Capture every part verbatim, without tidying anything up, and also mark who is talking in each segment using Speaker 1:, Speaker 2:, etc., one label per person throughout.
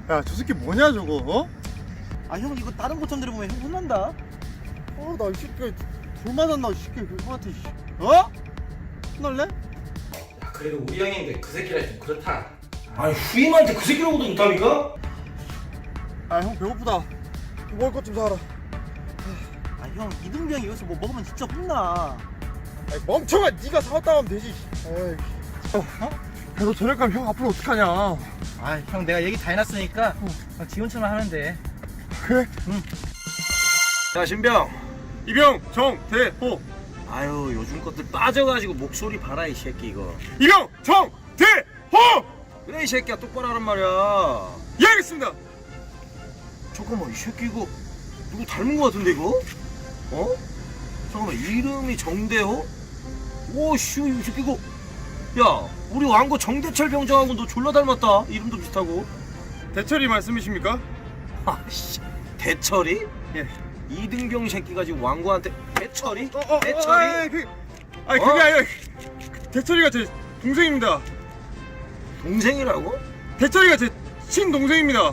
Speaker 1: 야, 저 새끼 뭐냐 저거? 어?
Speaker 2: 아 형 이거 다른 고참들이 보면 형 혼난다.
Speaker 1: 어, 나 이 새끼 돌 맞았나 이 새끼 형한테. 어? 혼날래?
Speaker 3: 야, 그래도 우리 형인데 그 새끼라 좀 그렇다.
Speaker 4: 아니 후임한테 그 새끼라고도 못합니까?
Speaker 1: 아, 형 배고프다. 먹을 것 좀 사라.
Speaker 2: 아 형 이등병이 여기서 뭐 먹으면 진짜 혼나.
Speaker 1: 아이, 멍청아, 네가 사왔다 하면 되지. 에이. 어? 야, 너 저녁 가면 형 앞으로 어떡하냐?
Speaker 2: 아 형 내가 얘기 다 해놨으니까 어, 지원처럼 하면 돼.
Speaker 1: 그래?
Speaker 4: 야 신병.
Speaker 1: 이병, 정, 대, 호.
Speaker 4: 아유 요즘 것들 빠져가지고 목소리 봐라 이 새끼 이거.
Speaker 1: 이병, 정, 대, 호.
Speaker 4: 그래 이 새끼야 똑바로 하란 말이야.
Speaker 1: 예, 알겠습니다.
Speaker 4: 잠깐만 이 새끼 이거 누구 닮은 거 같은데 이거? 어? 잠깐만 이름이 정대호? 오씨 이 새끼 이거 야 우리 왕고 정대철 병장하고 너 졸라 닮았다. 이름도 비슷하고.
Speaker 1: 대철이 말씀이십니까?
Speaker 4: 아씨 대철이?
Speaker 1: 예.
Speaker 4: 이등병 새끼가 지금 왕고한테 대철이?
Speaker 1: 어, 어,
Speaker 4: 대철이?
Speaker 1: 어, 아니, 그, 아니 그게
Speaker 4: 어?
Speaker 1: 아니라 대철이가 제 동생입니다.
Speaker 4: 동생이라고?
Speaker 1: 대철이가 제 친동생입니다.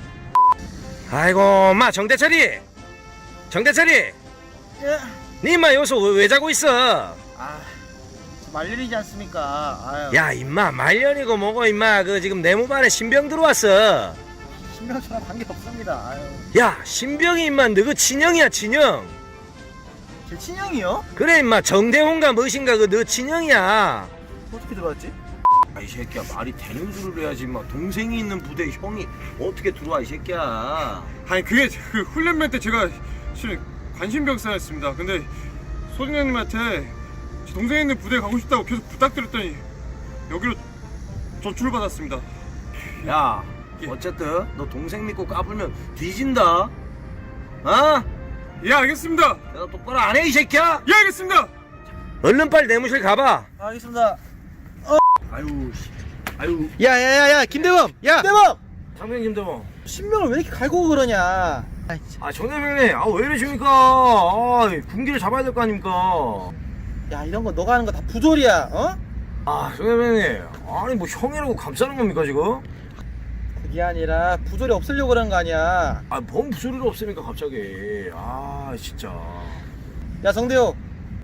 Speaker 3: 아이고, 마 정대철이, 정대철이,
Speaker 2: 예.
Speaker 3: 니 임마 여기서 왜, 왜 자고 있어?
Speaker 2: 아 말년이지 않습니까? 아유.
Speaker 3: 야, 임마 말년이고 뭐고 임마 그 지금 내 몸 안에 신병 들어왔어.
Speaker 2: 신병처럼 관계 없습니다. 아유.
Speaker 3: 야, 신병이 임마 너그 친형이야 친형.
Speaker 2: 제 친형이요?
Speaker 3: 그래 임마 정대홍가 무엇인가 그 너 친형이야.
Speaker 2: 어떻게 들어왔지?
Speaker 4: 아 이 새끼야 말이 되는 소리를 해야지 막 동생이 있는 부대에 형이 어떻게 들어와 이 새끼야.
Speaker 1: 아니 그게 그 훈련면 때 제가 실은 관심병사였습니다. 근데 소진현님한테 제 동생 있는 부대에 가고 싶다고 계속 부탁드렸더니 여기로 전출을 받았습니다.
Speaker 4: 야
Speaker 1: 예.
Speaker 4: 어쨌든 너 동생 믿고 까불면 뒤진다. 어?
Speaker 1: 예, 알겠습니다.
Speaker 4: 내가 똑바로 안 해 이 새끼야.
Speaker 1: 예, 알겠습니다.
Speaker 3: 얼른 빨리 내무실 가봐.
Speaker 2: 알겠습니다.
Speaker 4: 아유 씨. 아유
Speaker 2: 야야야야 김대범. 야. 김대범.
Speaker 4: 상병 김대범.
Speaker 2: 신병을 왜 이렇게 갈고 그러냐? 아이, 참.
Speaker 4: 아 정대병님 아 왜 이러십니까. 아 군기를 잡아야 될 거 아닙니까.
Speaker 2: 야 이런 거 너가 하는 거 다 부조리야. 어?
Speaker 4: 아 정대병님 아니 뭐 형이라고 감싸는 겁니까 지금?
Speaker 2: 그게 아니라 부조리 없애려고 그러는 거 아니야.
Speaker 4: 아뭔 부소리가 없으니까 갑자기. 아 진짜.
Speaker 2: 야 정대호.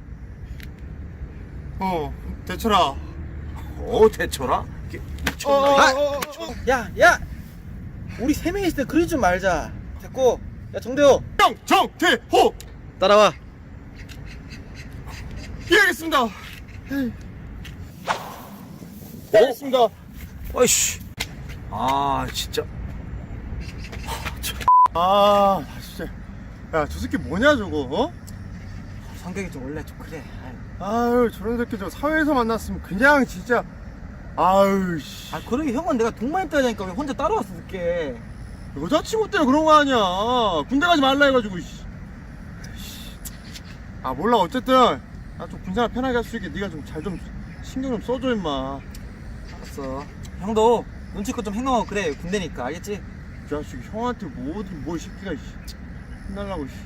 Speaker 1: 어, 대철아.
Speaker 4: 어 대처라? 이게 미쳤나?
Speaker 1: 어,
Speaker 4: 아,
Speaker 1: 어, 어, 어.
Speaker 2: 야, 야! 우리 세 명이 있을 때 그러지 좀 말자. 됐고, 야, 정대호!
Speaker 1: 정, 정, 대, 호.
Speaker 2: 따라와.
Speaker 1: 예, 알겠습니다. 예, 알겠습니다.
Speaker 4: 아이씨. 아 진짜.
Speaker 1: 아, 나 진짜. 야, 저 새끼 뭐냐 저거? 어?
Speaker 2: 성격이 좀 원래 좀 그래.
Speaker 1: 아유, 저런 새끼 저 사회에서 만났으면 그냥 진짜. 아유, 씨.
Speaker 2: 아, 그러게 형은 내가 동만 있다니까 왜 혼자 따라왔어, 늦게.
Speaker 1: 여자친구 때문에 그런 거 아니야. 군대 가지 말라 해가지고. 씨. 아, 몰라. 어쨌든 나 좀 군생활 편하게 할 수 있게 네가 좀 잘 좀 신경 좀 써줘 임마.
Speaker 2: 알았어. 형도 눈치껏 좀 행동하고 그래, 군대니까. 알겠지?
Speaker 1: 이 자식 형한테 뭐 어디 뭐 이 새끼가 씨. 혼날라고 씨.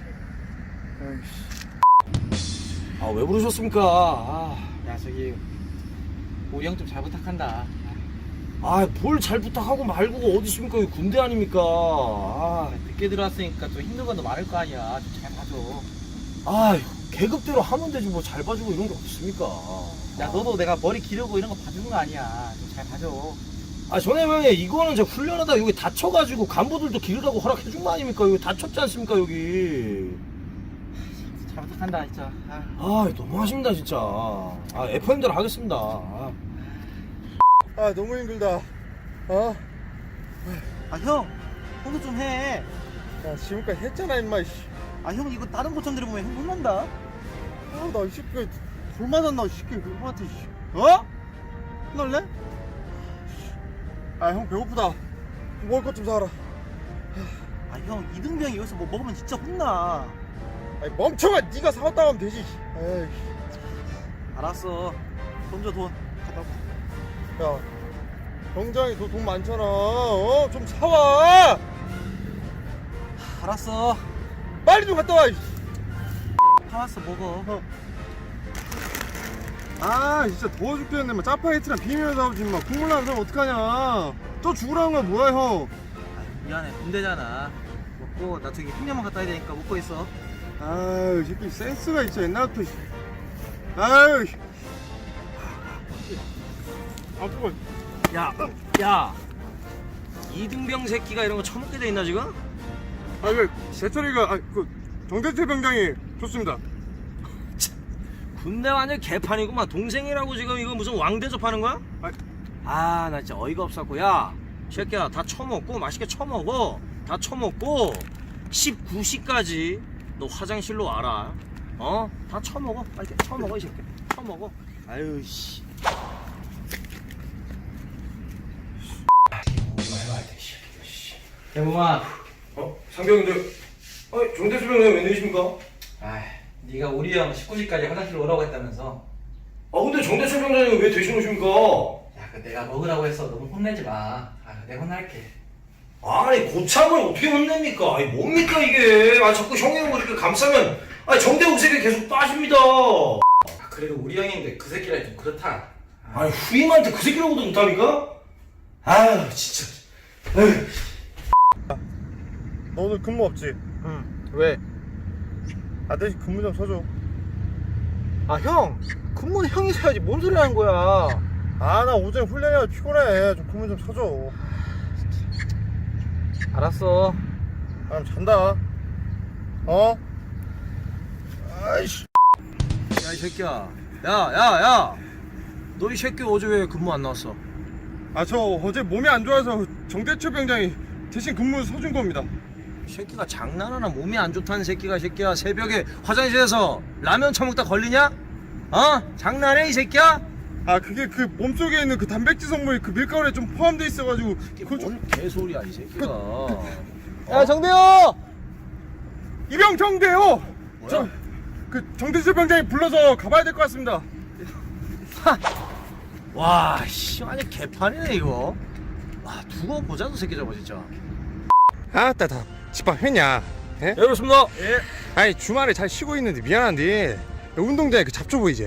Speaker 1: 아이씨.
Speaker 4: 아 왜 부르셨습니까? 아,
Speaker 2: 야, 저기, 우리 형 좀 잘 부탁한다.
Speaker 4: 아뭘 잘 부탁하고 말고 어디 있습니까? 여기 군대 아닙니까? 아,
Speaker 2: 늦게 들어왔으니까 좀 힘든 건도 많을 거 아니야. 좀 잘 봐줘.
Speaker 4: 아 계급대로 하면 되지 뭐 잘 봐주고 이런 게 없습니까?
Speaker 2: 야, 너도 내가 머리 기르고 이런 거 봐주는 거 아니야. 좀 잘 봐줘.
Speaker 4: 아 전해명에 이거는 제가 훈련하다 여기 다쳐가지고 간부들도 기르라고 허락해준 거 아닙니까? 여기 다쳤지 않습니까 여기?
Speaker 2: 잘 부탁한다, 진짜. 아.
Speaker 4: 아 너무하십니다 진짜. 아 에프엠대로 하겠습니다. 아.
Speaker 1: 아, 너무 힘들다. 어?
Speaker 2: 아, 형! 형도 좀 해.
Speaker 1: 야, 지금까지 했잖아 임마. 씨.
Speaker 2: 아, 형 이거 다른 고참들이 보면 형 혼난다.
Speaker 1: 아, 나 이 새끼 돌 맞았나 이 새끼 형한테. 씨. 어? 혼날래? 아, 형 배고프다. 먹을 것 좀 사라.
Speaker 2: 아, 형 이등병이 여기서 뭐 먹으면 진짜 혼나.
Speaker 1: 아니, 멍청아, 네가 사왔다 하면 되지. 에이.
Speaker 2: 알았어. 돈 줘, 돈. 갖다 와.
Speaker 1: 야, 병장이 너 돈 많잖아. 어? 좀 사와.
Speaker 2: 알았어.
Speaker 1: 빨리 좀 갔다 와.
Speaker 2: 사왔어, 먹어.
Speaker 1: 아, 진짜 더워 죽겠네. 막 짜파게티랑 비빔면 사오지 마. 국물 나는 사람 어떡하냐. 또 죽으라는 거야 뭐야 형.
Speaker 2: 미안해 군대잖아. 먹고 나 저기 횡령만 갔다 와야 되니까 먹고 있어.
Speaker 1: 아유 이 새끼 센스가 있어 옛날부터. 아유. 아 뜨거.
Speaker 3: 야, 야, 이등병 새끼가 이런 거 처먹게 돼 있나 지금?
Speaker 1: 아그 제철이가 아그 정대철 병장이 좋습니다.
Speaker 3: 군대 완전 개판이구만. 동생이라고 지금 이거 무슨 왕 대접하는 거야?
Speaker 1: 아,
Speaker 3: 아, 나 진짜 어이가 없었고. 야, 새끼야, 다 처먹고 맛있게 처먹어. 다 처먹고 십구 시까지 너 화장실로 와라. 어? 다 처먹어. 빨리 처먹어 이 새끼. 처먹어. 아유 씨.
Speaker 2: 대범아.
Speaker 1: 어 상병인데. 아 정대철 병장이 웬일이십니까?
Speaker 2: 아, 네가 우리 형 십구 시까지 화장실 오라고 했다면서.
Speaker 1: 아 근데 정대철 병장이 왜 대신 오십니까?
Speaker 2: 야, 그 내가 먹으라고 했어. 너무 혼내지 마. 아, 내가 혼날게.
Speaker 4: 아니 고참을 어떻게 혼냅니까? 아니 뭡니까 이게? 아 자꾸 형이 형 이렇게 감싸면 아 정대욱 새끼 계속 빠집니다.
Speaker 2: 아, 그래도 우리 형인데 그 새끼라 좀 그렇다.
Speaker 4: 아니 후임한테 그 새끼라고도 못합니까? 아유 진짜. 에휴.
Speaker 1: 너 오늘 근무 없지?
Speaker 2: 응. 왜?
Speaker 1: 아 대신 근무 좀 서줘.
Speaker 2: 아, 형. 근무는 형이 서야지. 뭔 소리 하는 거야?
Speaker 1: 아 나 어제 훈련이라 피곤해. 좀 근무 좀 서줘.
Speaker 2: 알았어.
Speaker 1: 아 그럼 잔다. 어? 아이씨.
Speaker 3: 야 이 새끼야. 야, 야, 야. 너 이 새끼 어제 왜 근무 안 나왔어?
Speaker 1: 아 저 어제 몸이 안 좋아서 정대철 병장이 대신 근무 서준 겁니다.
Speaker 3: 이 새끼가 장난하나. 몸이 안 좋다는 새끼가 이 새끼야 새벽에 화장실에서 라면 처먹다 걸리냐? 어? 장난해 이 새끼야?
Speaker 1: 아 그게 그 몸속에 있는 그 단백질 성분이 그 밀가루에 좀 포함돼 있어가지고
Speaker 3: 이게
Speaker 1: 그걸 좀...
Speaker 3: 뭔 개소리야 이 새끼가.
Speaker 2: 야, 정대호!
Speaker 1: 이병 정대요.
Speaker 3: 뭐야?
Speaker 1: 저 그 정대철 병장이 불러서 가봐야 될 것 같습니다.
Speaker 3: 와, 씨, 완전 개판이네 이거. 와, 두고 보자 저 새끼 저거 진짜.
Speaker 1: 아따 다 집밥 했냐? 예?
Speaker 3: 예, 그렇습니다.
Speaker 1: 예. 아니 주말에 잘 쉬고 있는데 미안한데 운동장에 그 잡초 보이지?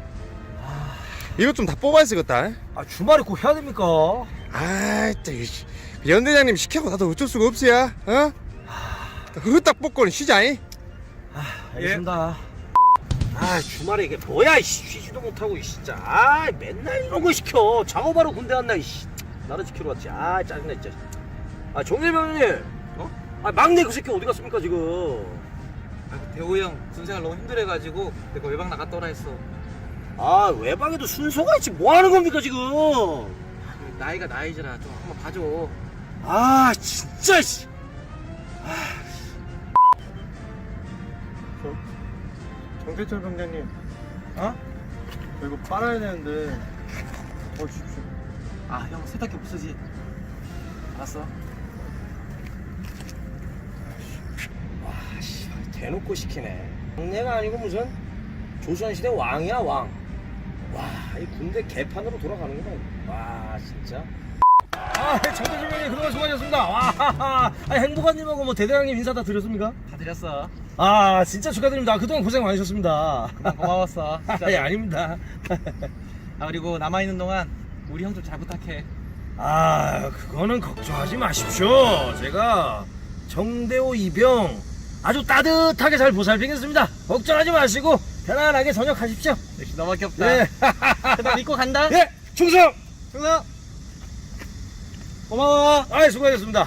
Speaker 1: 이것 좀 다 뽑아야 쓰겠다.
Speaker 3: 아, 주말에 꼭 해야 됩니까?
Speaker 1: 아이 또 연대장님 시켜고 나도 어쩔 수가 없어야. 어? 흐딱 뽑고는 쉬자잉.
Speaker 3: 알겠습니다. 아, 주말에 이게 뭐야 이씨. 쉬지도 못하고 이 진짜. 아, 맨날 이런 거 시켜. 작업하러 군대 갔나 이씨. 나를 지키러 왔지. 아, 짜증나 진짜. 아, 정일병님. 어? 아, 막내 그 새끼 어디 갔습니까 지금?
Speaker 2: 아, 대호 형 군생활 너무 힘들어가지고 내가 외박 나갔다 오라 했어.
Speaker 3: 아, 외박에도 순서가 있지. 뭐 하는 겁니까 지금?
Speaker 2: 나이가 나이지라 좀 한번 봐줘.
Speaker 3: 아, 진짜 씨.
Speaker 1: 정대철 병장님,
Speaker 2: 어?
Speaker 1: 저 이거 빨아야 되는데 어 주십시오.
Speaker 2: 아, 형 세탁기 못 쓰지? 알았어.
Speaker 3: 와, 씨, 대놓고 시키네. 막내가 아니고 무슨 조선시대 왕이야 왕. 와, 이 군대 개판으로 돌아가는구나. 와, 진짜. 아, 정대주님이 그동안 수고하셨습니다. 와, 아니, 행복한님하고 뭐 대대장님 인사 다 드렸습니까?
Speaker 2: 다 드렸어.
Speaker 3: 아, 진짜 축하드립니다. 그동안 고생 많으셨습니다.
Speaker 2: 고마웠어.
Speaker 3: 아, 예, 아닙니다.
Speaker 2: 아, 그리고 남아있는 동안 우리 형 좀 잘 부탁해.
Speaker 3: 아, 그거는 걱정하지 마십시오. 제가 정대호 이병 아주 따뜻하게 잘 보살피겠습니다. 걱정하지 마시고 편안하게 전역하십시오.
Speaker 2: 역시 너밖에 없다.
Speaker 3: 예.
Speaker 2: 나 믿고 간다.
Speaker 3: 예, 충성!
Speaker 2: 형아. 고마워.
Speaker 3: 아, 수고하셨습니다.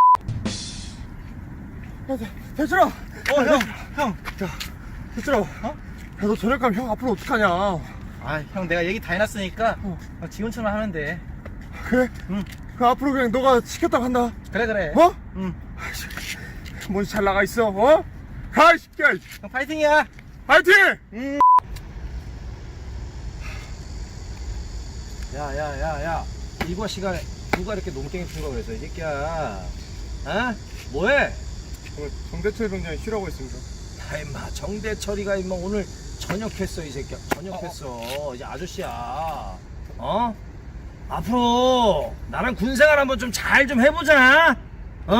Speaker 1: 대철아,
Speaker 2: 어, 형. 형.
Speaker 1: 대철아, 어? 야, 너 저녁 가면 형 앞으로 어떡하냐?
Speaker 2: 아, 형 내가 얘기 다 해놨으니까 어. 지금처럼 하면 돼.
Speaker 1: 그래?
Speaker 2: 응.
Speaker 1: 그 앞으로 그냥 너가 시켰다고 한다.
Speaker 2: 그래, 그래.
Speaker 1: 어?
Speaker 2: 응.
Speaker 1: 뭔지 잘 나가 있어, 어? 가, 이 새끼야.
Speaker 2: 형 파이팅이야.
Speaker 1: 파이팅!
Speaker 2: 응.
Speaker 3: 야, 야, 야, 야. 일과 시간에 누가 이렇게 농땡이 핀 거그랬어, 이 새끼야. 어? 뭐해?
Speaker 1: 오늘 정대철 병장이 쉬라고 했습니다.
Speaker 3: 아, 임마, 정대철이가 임마 오늘 전역했어, 이 새끼야. 전역했어. 이제 아저씨야. 어? 앞으로 나랑 군생활 한번 좀 잘 좀 해보자. 어?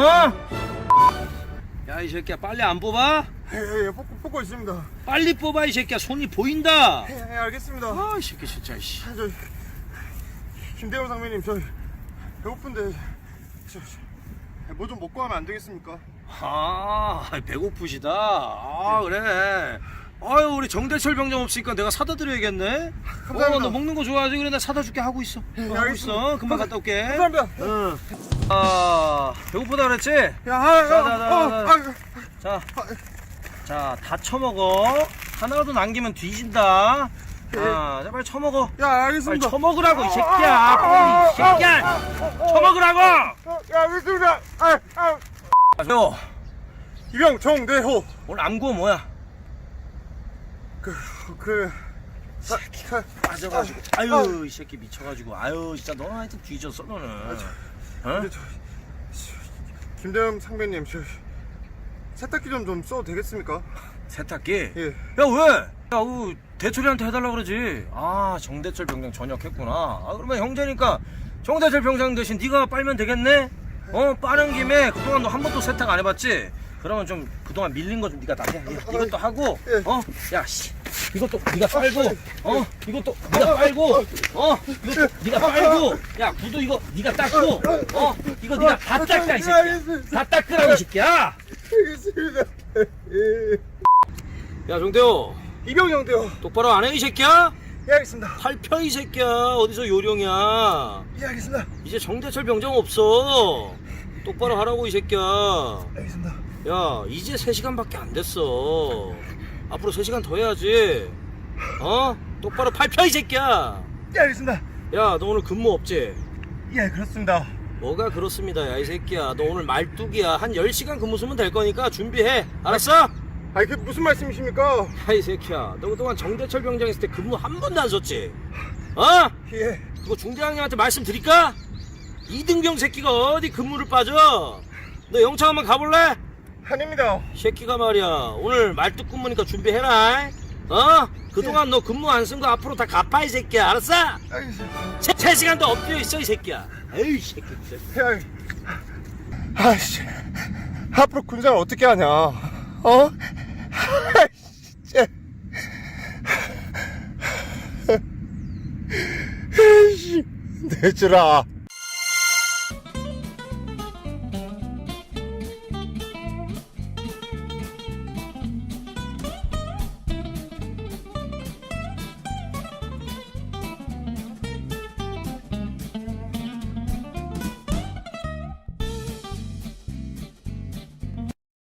Speaker 3: 야, 이 새끼야, 빨리 안 뽑아?
Speaker 1: 예, 예, 예, 뽑고, 뽑고 있습니다.
Speaker 3: 빨리 뽑아, 이 새끼야. 손이 보인다.
Speaker 1: 예, 예, 알겠습니다.
Speaker 3: 아, 이 새끼 진짜, 씨.
Speaker 1: 아, 저, 김대호 상무님, 저, 배고픈데, 저, 뭐 좀 먹고 하면 안 되겠습니까?
Speaker 3: 아, 배고프시다. 아, 그래. 아유, 우리 정대철 병장 없으니까 내가 사다 드려야겠네.
Speaker 1: 감사합니다.
Speaker 3: 어, 너 먹는 거 좋아하지? 그래, 나 사다 줄게. 하고 있어. 어, 하고
Speaker 1: 알겠습니다.
Speaker 3: 있어. 금방 갔다 올게.
Speaker 1: 감사합니다.
Speaker 3: 응. 아, 배고프다 그랬지?
Speaker 1: 야, 아,
Speaker 3: 자,
Speaker 1: 아,
Speaker 3: 자, 자,
Speaker 1: 어,
Speaker 3: 자.
Speaker 1: 아,
Speaker 3: 자, 자, 다 처먹어. 하나라도 남기면 뒤진다. 아, 자, 빨리 처먹어.
Speaker 1: 야,
Speaker 3: 빨리
Speaker 1: 알겠습니다.
Speaker 3: 처먹으라고, 이 새끼야. 빨리, 이 새끼야. 처먹으라고!
Speaker 1: 어, 야, 알겠습니다. 아, 아.
Speaker 3: 요,
Speaker 1: 이병 정대호.
Speaker 3: 오늘 암구 뭐야?
Speaker 1: 그, 그, 사, 사,
Speaker 3: 빠져가지고. 아유, 이 새끼 미쳐가지고. 아유, 진짜 너는 하여튼 뒤졌어, 너는. 어?
Speaker 1: 근데 저, 김대현 상배님, 저 세탁기 좀 좀 써도 되겠습니까?
Speaker 3: 세탁기?
Speaker 1: 예.
Speaker 3: 야, 왜? 야, 그, 대철이한테 해달라 그러지. 아, 정대철 병장 전역했구나. 아, 그러면 형제니까 정대철 병장 대신 네가 빨면 되겠네? 어, 빠른 김에 그동안 너 한 번도 세탁 안 해봤지? 그러면 좀 그동안 밀린 거 좀 네가 다 해. 이것도 하고,
Speaker 1: 예.
Speaker 3: 어? 야, 씨. 이것도 네가 빨고, 어? 이것도 네가 빨고, 어? 이것도 네가 빨고, 야, 구두 이거 네가 닦고, 어? 이거 네가 다 닦아, 이 새끼야. 다 닦으라고, 이 새끼야.
Speaker 1: 알겠습니다.
Speaker 3: 야, 정대호.
Speaker 1: 이병 정대호.
Speaker 3: 똑바로 안 해, 이 새끼야?
Speaker 1: 예, 알겠습니다.
Speaker 3: 팔 펴, 이 새끼야. 어디서 요령이야.
Speaker 1: 예, 알겠습니다.
Speaker 3: 이제 정대철 병장 없어. 똑바로 하라고, 이 새끼야.
Speaker 1: 알겠습니다.
Speaker 3: 야, 이제 세 시간밖에 안 됐어. 앞으로 세 시간 더 해야지. 어? 똑바로 팔 펴, 이 새끼야.
Speaker 1: 예, 알겠습니다.
Speaker 3: 야, 너 오늘 근무 없지?
Speaker 1: 예, 그렇습니다.
Speaker 3: 뭐가 그렇습니다, 야, 이 새끼야. 너 오늘 말뚝이야. 한 열 시간 근무 쓰면 될 거니까 준비해. 알았어?
Speaker 1: 아니, 그게 무슨 말씀이십니까?
Speaker 3: 야, 이 새끼야. 너 그동안 정대철 병장 있을 때 근무 한 번도 안 썼지? 어?
Speaker 1: 예.
Speaker 3: 그거 중대장님한테 말씀드릴까? 이등병 새끼가 어디 근무를 빠져? 너 영창 한번 가볼래?
Speaker 1: 아닙니다.
Speaker 3: 새끼가 말이야, 오늘 말뚝 근무니까 준비해라. 어? 그동안 너 근무 안 쓴 거 앞으로 다 갚아, 이 새끼야. 알았어?
Speaker 1: 알겠습니다.
Speaker 3: 세, 세 시간 더 엎드려 있어, 이 새끼야. 에이, 새끼.
Speaker 1: 야, 아씨, 앞으로 군생활 어떻게 하냐? 어? 진짜. 씨, 내주라.